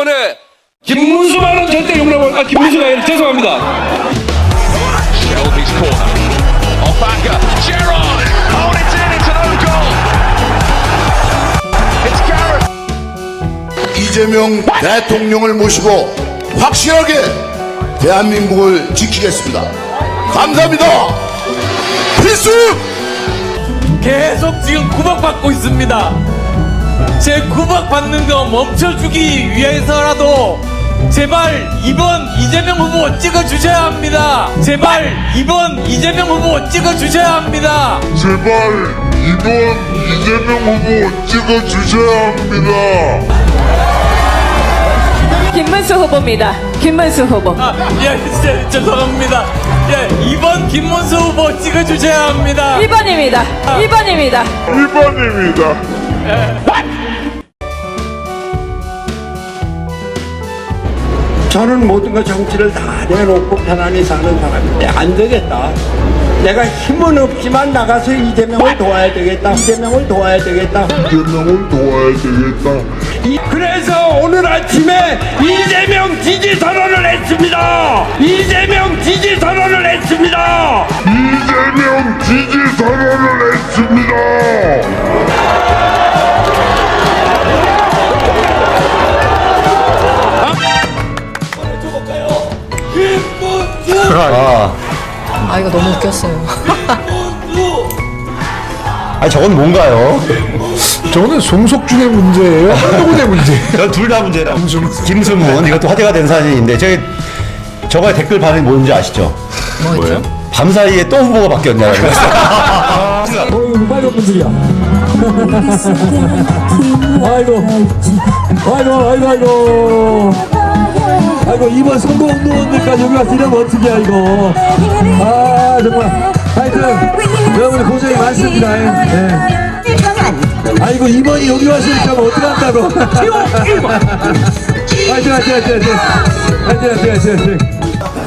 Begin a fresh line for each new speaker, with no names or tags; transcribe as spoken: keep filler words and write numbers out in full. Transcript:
이재명원의 김문수만은 절대 용납을, 아, 김문수가 아니라 죄송합니다.
Shelby's corner. Off anchor. Gerrard. Oh, it's in. It's an own goal. It's Gareth.
이재명 대통령을 모시고 확실하게 대한민국을 지키겠습니다. 감사합니다. 필수!
계속 지금 구박받고 있습니다. 제 구박받는 거 멈춰주기 위해서라도 제발 이번 이재명 후보 찍어주셔야 합니다. 제발 이번 이재명 후보 찍어주셔야 합니다.
제발 이번 이재명 후보 찍어주셔야 합니다.
김문수 후보입니다. 김문수 후보.
아, 예, 진짜 죄송합니다. 예, 이번 김문수 후보 찍어주셔야 합니다.
일 번입니다. 일 번입니다.
일 번입니다.
저는 모든 것 정치를 다 내놓고 편안히 사는 사람인데 안 되겠다. 내가 힘은 없지만 나가서 이재명을 도와야 되겠다. 이재명을 도와야 되겠다.
이재명을 도와야 되겠다.
이- 그래서 오늘 아침에 이재명 지지 선언을 했습니다. 이재명 지지 선언을 했습니다.
이재명 지지 선언을 했습니다.
아 이거 너무 웃겼어요.
아니 저건 뭔가요?
저는 송석준의 문제예요? 한동훈의 문제.
둘 다 문제라. 김승문 이것도 화제가 된 사진인데 저기 저거에 댓글 반응이 뭔지 아시죠?
뭐였죠?
밤사이에 또 후보가 바뀌었냐고.
어이구 빨간 분들이야. 아이고 아이고 아이고 아이고 아이고 이번 선거운동원들까지 여기 와서 이러면 어떡해 이거. 아 정말 하여튼 여러분들 고생이 많습니다. 예. 아이고 이번이 여기 와서 이렇게 하면 어떡한다고. 하여튼 하여튼 하여튼 하여튼 하여튼 하여튼 하여튼